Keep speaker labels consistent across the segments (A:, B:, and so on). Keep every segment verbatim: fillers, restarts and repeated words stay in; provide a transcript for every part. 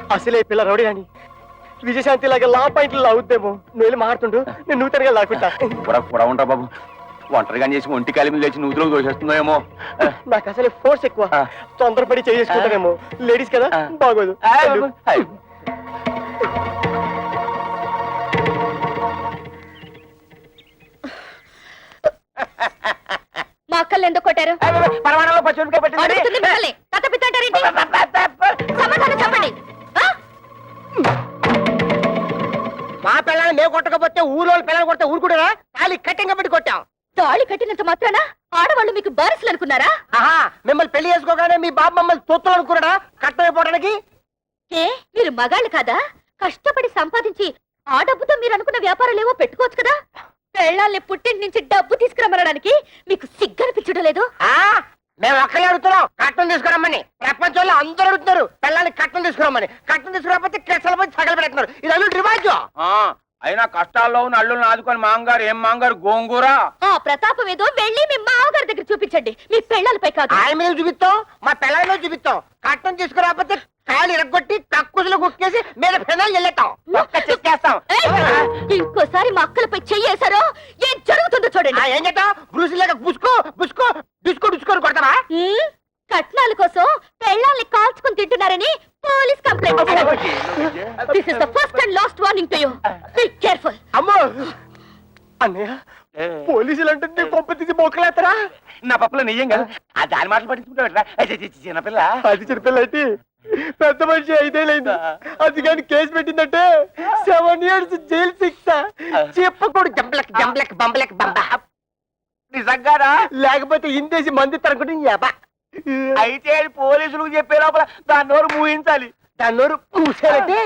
A: అసలే పిల్ల రౌడీ అని విజయశాంతి లాగా లా పాయింట్లు లాగుద్దేమో. నువ్వు వెళ్ళి మారుతుండు, నేను నూతనగా లాక్కుంటా.
B: కూడా కూడా ఉంటా బాబు. ఒంటరిగా చేసి ఒంటి కాలి మీద లేచి నూతులకు దోషేస్తుందేమో.
A: నాకు అసలే ఫోర్స్ ఎక్కువ, తొందరపడి చేసుకుంటానేమో. లేడీస్ కదా, బాగోదు.
C: మా అక్కలు ఎందుకు కొట్టారు?
B: పరమాణంలో పచ్చిమిరపకాయ పెట్టింది.
A: మా పిల్లల్ని మేము కొట్టకపోతే ఊళ్ళో పిల్లలు కొడితే ఊరుకుంటారా? తాళి కట్టింగ్ పెట్టి కొట్టాం.
C: తాళి కట్టినంత మాత్రాన ఆడవాళ్ళు మీకు బారసులు అనుకున్నారా?
A: ఆహా, మిమ్మల్ని పెళ్లి చేసుకోగానే మీ బాబు మమ్మల్ని తొత్తులు అనుకున్నాడా కట్టమైపోవడానికి?
C: ఏ మీరు మగాళ్ళు కాదా? కష్టపడి సంపాదించి ఆ డబ్బుతో మీరు అనుకున్న వ్యాపారాలు ఏవో పెట్టుకోవచ్చు కదా. పెళ్ళాల్ని పుట్టింటి నుంచి డబ్బు తీసుకురమ్మనడానికి మీకు సిగ్గనిపించడం లేదు?
A: మేము ఒక్కలే అడుగుతున్నాం కట్టం తీసుకురమ్మని. ప్రపంచంలో అందరూ అడుగుతున్నారు పిల్లల్ని కట్టం తీసుకురమ్మని. కట్టం తీసుకురాకపోతే కెసలు పోయి సగలు పెడుతున్నారు. ఇది అల్లు రివాజు.
B: అయినా కష్టాల్లో ఉన్న అల్లుల్ని ఆదుకొని మాంగారు ఏం మాంగారు గోంగూర.
C: ఆ ప్రతాపం ఏదో వెళ్ళి మీ మామగారి దగ్గర చూపించండి, మీ పెళ్ళాలపై కాదు.
A: ఆయన మీద చూపిస్తాం, మా పిల్లల మీద చూపిస్తాం. కట్టం తీసుకురాకపోతే కాళ్ళు ఇరగొట్టి కక్కుసులు కుక్కేసి మీద పెనాలు వెళ్ళేస్తాం. చేస్తాం.
C: ఇంకోసారి మా అక్కలపై చెయ్యేశారో ఏం జరుగుతుందో చూడండి.
A: ఏం చేద్దాం? బ్రూసిలాగా బుసుకో బుసుకో డిస్కో డిస్కోని కొడతావా?
C: కట్నాల కోసం పెళ్ళాల్ని కాల్చుకుని తింటున్నారని police complaint. This is the first and last warning to you. Be careful.
A: అమ్మో అన్నయ్య, పోలీసులు అంటే కొంప తీసి బొక్కలేస్తారా?
B: నా పప్పులో నెయ్యం కదా, ఆ దాని మాటలు పట్టించుకుంటా. చిన్నపిల్ల
A: అది చిన్నపిల్ల అంటే పెద్ద మనిషి ఐదేళ్ళైంది. అది కానీ కేసు పెట్టిందంటే సెవెన్ ఇయర్స్ జైలు శిక్ష. చెప్పకూడదు జంబలక్ జంబలక్ బంబలక్ బంబ.
B: నిజంగానా?
A: లేకపోతే ఇందేసి మంది తరగడం.
B: అయితే పోలీసులకు చెప్పే లోపల దాని నోరు మూయించాలి.
A: దాని నోరు మూసారంటే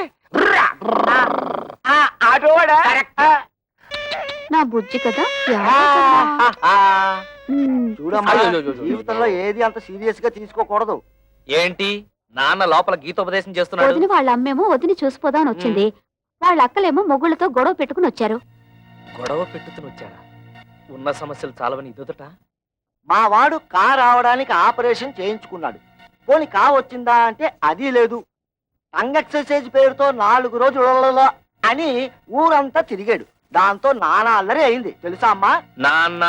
B: ఆటోవాడా?
C: నా బుజ్జి కదా.
A: చూడమ్మా, జీవితంలో ఏది అంత సీరియస్ గా తీసుకోకూడదు.
D: ఏంటి నాన్న లోపల గీతోపదేశం చేస్తున్నాడు?
C: వదిన వాళ్ళ అమ్మేమో వదిని చూసిపోదాం అని వచ్చింది. వాళ్ళ అక్కలేమో మొగుళ్ళతో గొడవ పెట్టుకుని వచ్చారు.
D: గొడవ పెట్టుకుని వచ్చారా? ఉన్న సమస్యలు చాలవని ఇదొదట.
A: మా వాడు కా రావడానికి ఆపరేషన్ చేయించుకున్నాడు. పోని కా వచ్చిందా అంటే అది లేదు. టంగ్ ఎక్సర్సైజ్ పేరుతో నాలుగు రోజులలో అని ఊరంతా తిరిగాడు. దాంతో నానా అల్లరి అయింది తెలుసా అమ్మా?
D: నాన్న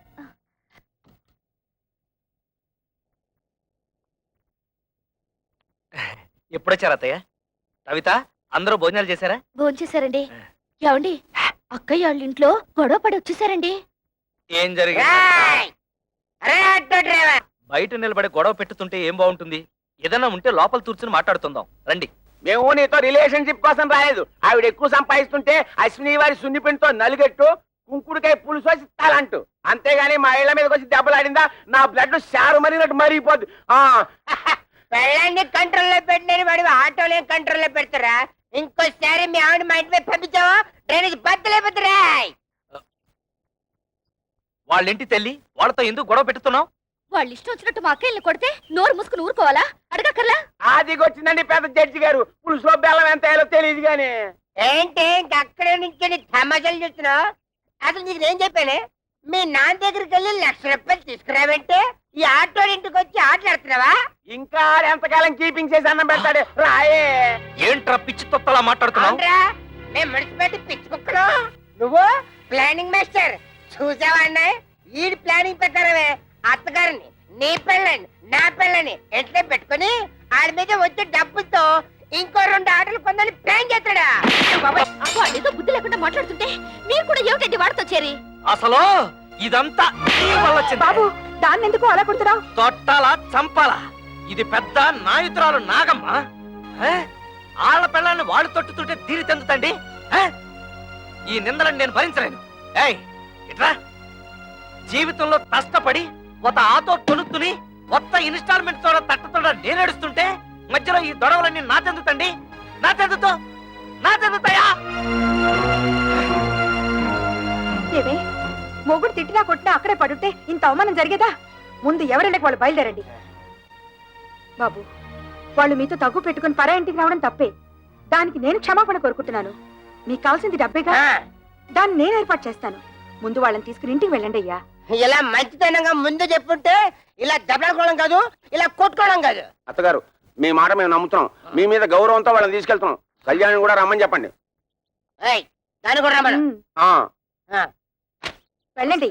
D: ఎప్పుడొచ్చారు అత్తయ్య? కవిత, అందరూ భోజనాలు చేశారా?
C: భోజనం చేశారండి. ఏమండి, అక్కయ్య వాళ్ళ ఇంట్లో గొడవ పడి వచ్చేసారండి.
D: ఏం జరిగింది? బయట నిలబడి గొడవ పెట్టుతుంటే ఏం బాగుంటుంది? ఏదన్నా ఉంటే లోపల కూర్చుని మాట్లాడుతుందాం రండి.
B: మేము నీతో రిలేషన్షిప్ కోసం రాలేదు. ఆవిడ ఎక్కువ సంపాదిస్తుంటే అశ్విని వారి సున్నిపిండితో నలుగెట్టు కుంకుడుకాయ పులుసు వచ్చి తలంటూ, అంతేగాని మా ఇళ్ల మీదకి వచ్చి దెబ్బలాడిందా నా బ్లడ్ షారు మరినట్టు మరిగిపోద్దు.
E: పెళ్ళాన్ని కంట్రోల్లో పెట్టినని వాడు ఆటోలే కంట్రోల్లో పెడతారా? ఇంకోసారి మీ ఆవిడ మా ఇంటి మీద పంపించావా డ్రైనేజ్ బద్దలేపోతారా?
D: వాళ్ళింటి తల్లి, వాళ్ళతో ఎందుకు గొడవ పెట్టుతున్నావు?
C: వాళ్ళు ఇష్టం వచ్చినట్టు మా అక్కయ్యని కొడితే నోరు మూసుకుని ఊరుకోవాలా? అడగక్కర్లా?
B: ఆదిగొచ్చిందండి పెద్ద జడ్జి గారు. పులుసులో బెల్లం ఎంత వేయాలో తెలియదు గాని.
E: ఏంటి అక్కడే నుంచి తమాషాలు చూస్తున్నావు? అసలు నీకు నేను చెప్పానే, మీ నాన్న దగ్గరికి వెళ్ళి లక్ష రూపాయలు తీసుకురావంటే ఈ ఆటో ఇంటికి వచ్చి ఆటలాడుతున్నావా?
B: ఇంకా ఎంతకాలం కీపింగ్ చేసి అన్నం పెడతాడు రాయే.
D: ఏంట్రా పిచ్చి తొత్తలా మాట్లాడుతున్నావు?
E: మేము మున్సిపాలిటీ పిచ్చి కుక్కలు, నువ్వు ప్లానింగ్ మాస్టర్. చూసావా అన్నాయి, ఈ ప్లానింగ్ ప్రకారమే అత్తగారిని నీ పెళ్ళని నా పెళ్ళని ఎట్లా పెట్టుకుని ఆడి మీద వచ్చే డబ్బుతో ఇంకో రెండు ఆటలు కొందని ప్లాన్ చేస్తాడా?
C: వాడితో బుద్ధి లేకుండా మాట్లాడుతుంటే మీరు కూడా ఏమిటండి వాడితో చేరి?
D: అసలు ఇదంతా
C: బాబు, దాన్ని ఎందుకు అలా కొడుతున్నావు?
D: తొట్టాలా చంపాలా? ఇది పెద్ద నాయుతురాలు నాగమ్మ. ఆళ్ల పిల్లల్ని వాడు తొట్టుతుంటే తీరి తెందుతండి. ఈ నిందలను నేను భరించలేను. ఏయ్ ఇట్రా, జీవితంలో కష్టపడి ఒక ఆటో కొనుక్కుని కొత్త ఇన్స్టాల్మెంట్ తోడ తట్టతోడ నేనేడుస్తుంటే మధ్యలో ఈ దొడవలన్నీ నా తెందుతండి. నా తెందుతో నా తెందుతాయా?
C: ఏమే, మొగుడు తిట్టినా కొట్టినా అక్కడే పడుంటే ఇంత అవమానం జరిగేదా? ముందు ఎవరైనా వాళ్ళు బయలుదేరండి. బాబు, వాళ్ళు మీతో తగ్గు పెట్టుకుని పరా ఇంటికి రావడం తప్పే. దానికి నేను క్షమాపణ కోరుకుంటున్నాను. మీకు కావాల్సింది డబ్బేగా, దాన్ని నేను ఏర్పాటు చేస్తాను. ముందు వాళ్ళని తీసుకుని ఇంటికి వెళ్ళండి అయ్యా.
E: ఇలా మంచితనంగా ముందు చెప్పుంటే ఇలా దెబ్బలాడుకోవడం కాదు, ఇలా కొట్టుకోవడం కాదు.
B: అత్తగారు, మీ మాట మేము నమ్ముతున్నాం. మీ మీద గౌరవంతో వాళ్ళని తీసుకెళ్తున్నాం. కళ్యాణ్ కూడా రమ్మని చెప్పండి.
E: ఏయ్, దాన్ని కూడా రమ్మను.
C: ఉమ్,
B: ఆ
E: ఆ,
C: వెళ్ళండి.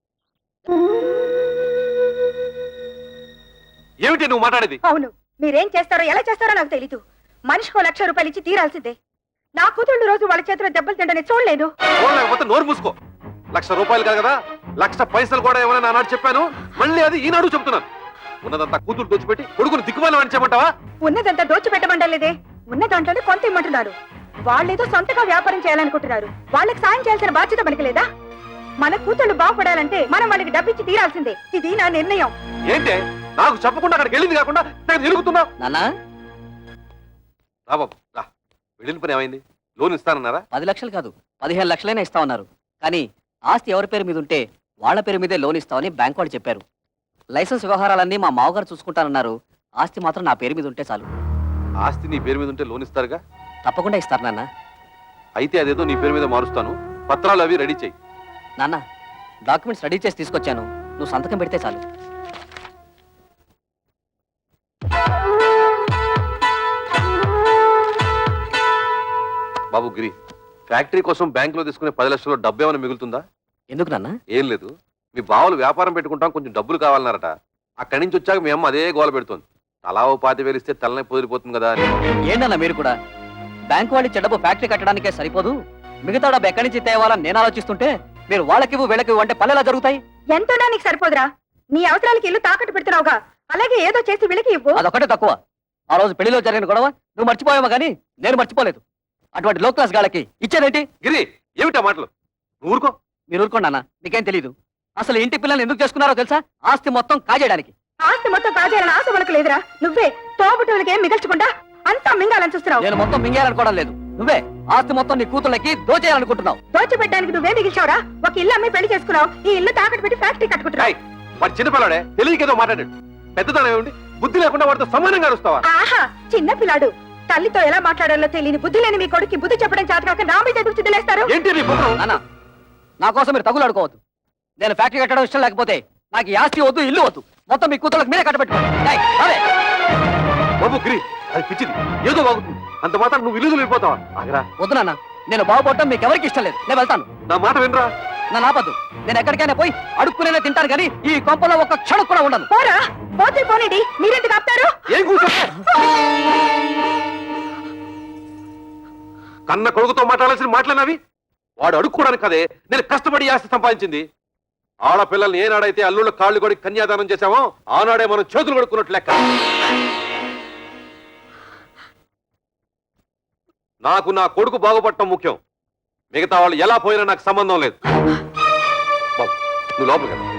F: ఏమిటి నువ్వు మాట్లాడేది?
C: అవును, మీరేం చేస్తారో ఎలా చేస్తారో నాకు తెలీదు. మనిషికో లక్ష రూపాయలు ఇచ్చి తీరాల్సిందే. నా కూతుళ్ళు రోజు వాళ్ళ చేతిలో దెబ్బలు తింటని చూడలేదు.
F: లేకపోతే నోరు మూసుకో. లక్ష రూపాయలు కాదు కదా, లక్ష పైసలు కూడా ఏమైనా నానాడు చెప్పాను, మళ్ళీ అది ఈనాడు చెప్తున్నాను. ఉన్నదంతా కూతురు దోచిపెట్టి కొడుకుని దిక్కుమాలి అని చెప్పమంటావా?
C: ఉన్నదంతా దోచిపెట్టమంటలేదే, ఉన్న దాంట్లోనే కొంత ఇమ్మంటున్నారు. వాళ్ళేదో సొంతగా వ్యాపారం చేయాలనుకుంటున్నారు. వాళ్ళకి సాయం చేయాల్సిన బాధ్యత మనకి లేదా? మన కూతుళ్ళు బాగుపడాలంటే మనం వాళ్ళకి డబ్బిచ్చి తీరాల్సిందే. ఇది నా నిర్ణయం.
F: ఏంటే నాకు చెప్పకుండా అక్కడికి వెళ్ళింది కాకుండా నేను తిరుగుతున్నా?
G: నానా
F: రా బాబు రా. వెళ్ళిన పని ఏమైంది? లోన్ ఇస్తానన్నారా?
G: పది లక్షలు కాదు, పదిహేను లక్షలైనా ఇస్తామన్నారు. కానీ ఆస్తి ఎవరి పేరు మీద ఉంటే వాళ్ళ పేరు మీదే లోన్ ఇస్తామని బ్యాంక్ వాళ్ళు చెప్పారు. లైసెన్స్ వ్యవహారాలన్నీ మా మావగారు చూసుకుంటానన్నారు. ఆస్తి మాత్రం నా పేరు మీద ఉంటే చాలు.
F: ఆస్తి నీ పేరు మీద ఉంటే లోన్ ఇస్తారుగా?
G: తప్పకుండా ఇస్తారు నాన్న.
F: అయితే అదేదో నీ పేరు మీద మారుస్తాను, పత్రాలు అవి రెడీ చెయ్యి.
G: నాన్న, డాక్యుమెంట్స్ రెడీ చేసి తీసుకొచ్చాను, నువ్వు సంతకం పెడితే చాలు.
F: బాబు గిరి, ఫ్యాక్టరీ కోసం బ్యాంక్ లో తీసుకునే పది లక్షలు డబ్బు ఏమైనా మిగులుతుందా?
G: ఎందుకు నాన్న?
F: ఏం లేదు, మీ బావలు వ్యాపారం పెట్టుకుంటాం, కొంచెం డబ్బులు కావాలన్నారట. అక్కడి నుంచి వచ్చాక మీ అమ్మ అదే గోల పెడుతోంది. తలా ఓ పాతి వేలిస్తే తలనే పొదిరిపోతుంది కదా అని.
G: ఏంటన్నా మీరు కూడా? బ్యాంక్ వాళ్ళు చెడబు ఫ్యాక్టరీ కట్టడానికే సరిపోదు, మిగతా డబ్బు ఎక్కడి నుంచి తేవాలని నేను ఆలోచిస్తుంటే మీరు వాళ్ళకివ్వు వీళ్ళకివ్వు అంటే పల్లెలా జరుగుతాయి?
C: ఎంతోనా నీకు సరిపోదురా? నీ అవసరాలకి ఇల్లు తాకట్టు పెడుతున్నావుగా, అలాగే ఏదో చేసి వీళ్ళకి ఇవ్వు.
G: అదొకటే తక్కువ. ఆ రోజు పెళ్లిలో జరిగిన గొడవ నువ్వు మర్చిపోయావా కానీ నేను మర్చిపోలేదు. అటువంటి లో క్లాస్ గాళ్ళకి ఇచ్చేదేంటి?
F: గిరి, ఏమిటా మాటలు? నువ్వు ఊరుకో.
G: మీరు ఊరుకోండి అన్న, మీకేం తెలీదు. అసలు ఇంటి పిల్లల్ని ఎందుకు చేసుకున్నారో తెలుసా? ఆస్తి మొత్తం కాజేయడానికి.
C: ఆస్తి మొత్తం కాజేయాలని ఆశ మనకు లేదురా. నువ్వే తోబుట్టులకి ఏం మిగల్చకుండా అంతా మింగాలని చూస్తున్నావు.
G: నేను మొత్తం మింగేయాలనుకోవడం లేదు, నువ్వే ఆస్తి మొత్తం నీ కూతుళ్ళకి దోచేయాలనుకుంటున్నావు.
C: దోచిపెట్టడానికి నువ్వే మిగిల్చావురా. ఒక ఇల్లు అమ్మి పెళ్లి చేసుకున్నావు, ఈ ఇల్లు తాకట్టు పెట్టి ఫ్యాక్టరీ కట్టుకుంటున్నావు.
F: ఏయ్, వాడు చిన్నపిల్లాడే, తెలియకేదో మాట్లాడాడు. పెద్దతనం ఏమిటి? బుద్ధి లేకుండా వాడితో సమానంగా అరుస్తావా?
C: ఆహా, చిన్న పిల్లాడు. తల్లితో ఎలా మాట్లాడాలో తెలియని బుద్ధి లేని మీ కొడుకు బుద్ధి చెప్పడం చేతకాక నా మీద ఎదురు చిదిలేస్తారు.
F: ఏంటి నీ పుత్రం?
G: నాన్న, నా కోసం మీరు తగులాడుకోవద్దు. నేను ఫ్యాక్టరీ కట్టడం ఇష్టం లేకపోతే నాకు ఈ ఆస్తి వద్దు, ఇల్లు వద్దు, మొత్తం మీ కూతుళ్ళకి మీరే కట్టబెట్టుకోండి. ఏయ్, రావే.
F: బాబు గిరి, అది పిచ్చిది, ఏదో బాగుతుంది. అంత మాత్రం నువ్వు ఇల్లు వెళ్ళిపోతావా? ఆగరా.
G: వద్దు నాన్న, నేను బాగుపడటం మీకు ఎవరికి ఇష్టం లేదు. నేను వెళ్తాను.
F: నా మాట వినరా?
G: నా నాపద్దు. నేను ఎక్కడికైనా పోయి అడుక్కునే తింటాను కానీ ఈ కొంపలో ఒక్క క్షణం కూడా ఉండను.
C: పోరా, పోతే పోనీడి, మీరెందుకు ఆపుతారు?
F: ఏం కూర్చో? కన్న కొడుకుతో మాట్లాడాల్సిన మాట్లాడినవి వాడు అడుక్కోవడానికి కదే నేను కష్టపడి ఆస్తి సంపాదించింది. ఆడపిల్లల్ని ఏనాడైతే అల్లుళ్ళ కాళ్ళు కొడి కన్యాదానం చేశామో ఆనాడే మనం చేతులు కొడుకున్నట్లు లెక్క. నాకు నా కొడుకు బాగుపడటం ముఖ్యం, మిగతా వాళ్ళు ఎలా పోయినా నాకు సంబంధం లేదు. బాబు, నువ్వు లోపలికి వెళ్ళు.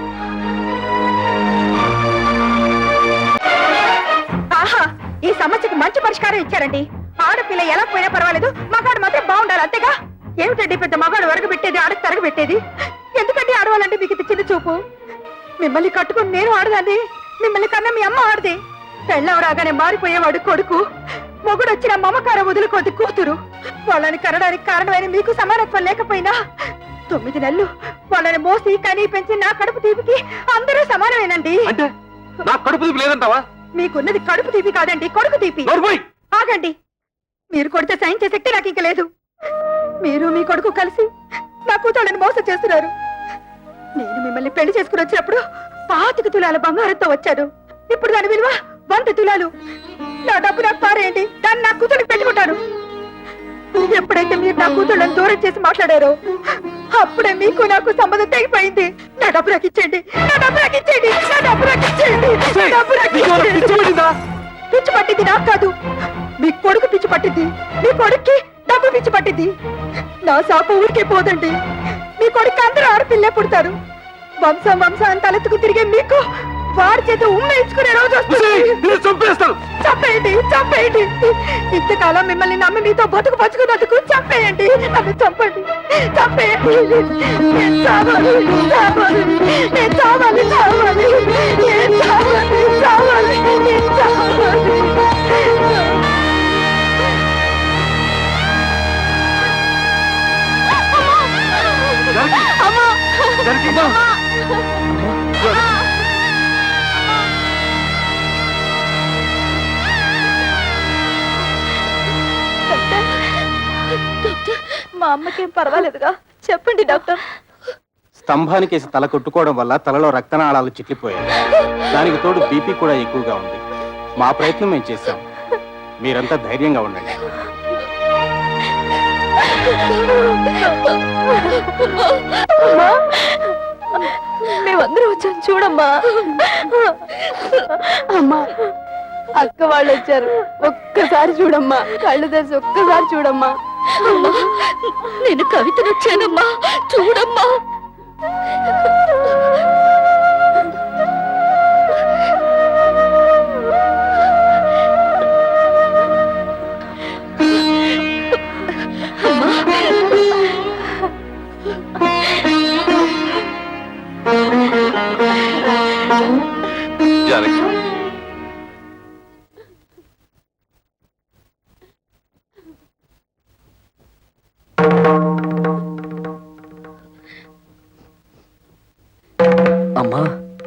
C: ఆహా, ఈ సమస్యకు మంచి పరిష్కారం ఇచ్చారండి. ఆడపిల్ల ఎలా పోయినా పర్వాలేదు, మగాడు మాత్రం బాగుండాలి, అంతేగా. ఏమిటండి పెద్ద మగాడు వరగ పెట్టేది, ఆడకు తరగ పెట్టేది? ఎందుకంటే ఆడవాలంటే మీకు ఇది చిన్న చూపు? మిమ్మల్ని కట్టుకుని నేను ఆడదాన్ని, మిమ్మల్ని కన్నా మీ అమ్మ ఆడది. పెళ్ళం రాగానే మారిపోయేవాడు కొడుకు, మొగుడు వచ్చిన మమకారం వదులుకోది కూతురు. వాళ్ళని కనడానికి కారణమైన మీకు సమానత్వం లేకపోయినా తొమ్మిది నెలలు వాళ్ళని మోసి కనీ పెంచి నా కడుపు తీపికి అందరూ సమానమేనండి.
F: అంటే నా కడుపు తీపి లేదంటావా?
C: మీకున్నది కడుపు తీపి కాదండి, కొడుకు తీపి.
F: నోర్మోయ్!
C: ఆగండి, మీరు కొడితే సహించే శక్తి నాకు ఇంక లేదు. మీరు మీ కొడుకు కలిసి నా కూతుళ్ళని మోసం చేస్తున్నారు. నేను మిమ్మల్ని పెళ్లి చేసుకుని వచ్చినప్పుడు పాతిక తులాల బంగారంతో వచ్చాను. ఇప్పుడు దాని విలువ వంద తులాలు. నా డబ్బు నాకు పారేయండి, దాన్ని నా కూతురికి పెట్టుకుంటాను. ఎప్పుడైతే మీరు నా కూతుళ్ళని దూరం చేసి మాట్లాడారో అప్పుడే మీకు నాకు సంబంధం తెగిపోయింది. నా డబ్బు నాకు ఇచ్చేయండి, నా డబ్బు నాకు ఇచ్చేయండి, నా డబ్బు నాకు ఇచ్చేయండి, నా డబ్బు నాకు ఇచ్చేయండి. పిచ్చి పట్టింది నాకు కాదు, మీ కొడుకు పిచ్చి పట్టింది. మీ కొడుక్కి డబ్బు పిచ్చి పట్టింది. నా శాప ఊరికే పోదండి. మీ కొడుకు అందరూ ఆడపిల్లే పుడతారు. వంశం వంశం తలెత్తుకు తిరిగే మీకు వాడి చేత ఉమ్మ ఇచ్చుకునే రోజు వస్తుంది.
F: చంపేస్తాను.
C: చంపేయండి, చంపేయండి. ఇంతకాలం మిమ్మల్ని నమ్మి మీతో బతుకు బతుకున్నందుకు చంపేయండి, నన్ను చంపండి, చంపేయండి. నేను చావాలి, చావాలి, నేను చావాలి, చావాలి, నేను చావాలి, చావాలి, నేను చావాలి. అమ్మా! అమ్మకేం పర్వాలేదుగా చెప్పండి డాక్టర్.
H: స్తంభానికేసి తల కొట్టుకోవడం వల్ల తలలో రక్తనాళాలు చిట్లిపోయాయి. దానికి తోడు బీపీ కూడా ఎక్కువగా ఉంది. మా ప్రయత్నం మేము చేశాం. మీరంతా ధైర్యంగా ఉండండి.
C: మేమందరం వచ్చాం చూడమ్మా. అమ్మా అక్క వాళ్ళు వచ్చారు, ఒక్కసారి చూడమ్మా. కళ్ళు తెరిచి ఒక్కసారి చూడమ్మా. నేను కవితను వచ్చానమ్మా, చూడమ్మా.
F: జానకి,
G: అమ్మా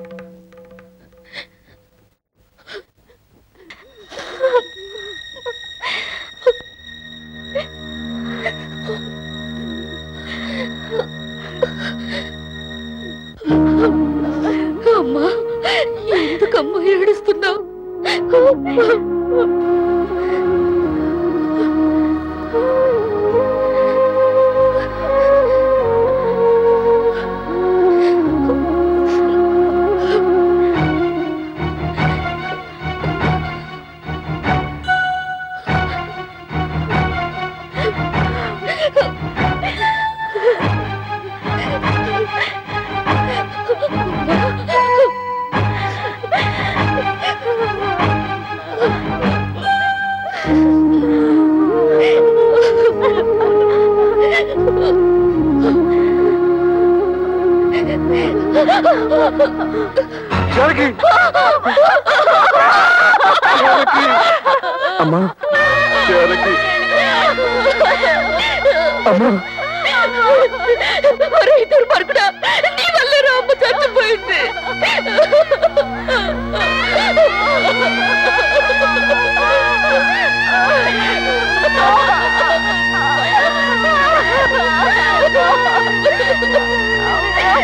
C: అమ్మా ఎందుకమ్మా ఏడుస్తున్నావు?
F: జానకి! జానకి!
G: అమ్మా
F: జానకి!
G: అమ్మా
C: ఇద్దరు పడుకున్నా నీ వల్ల అమ్మ చచ్చిపోయింది.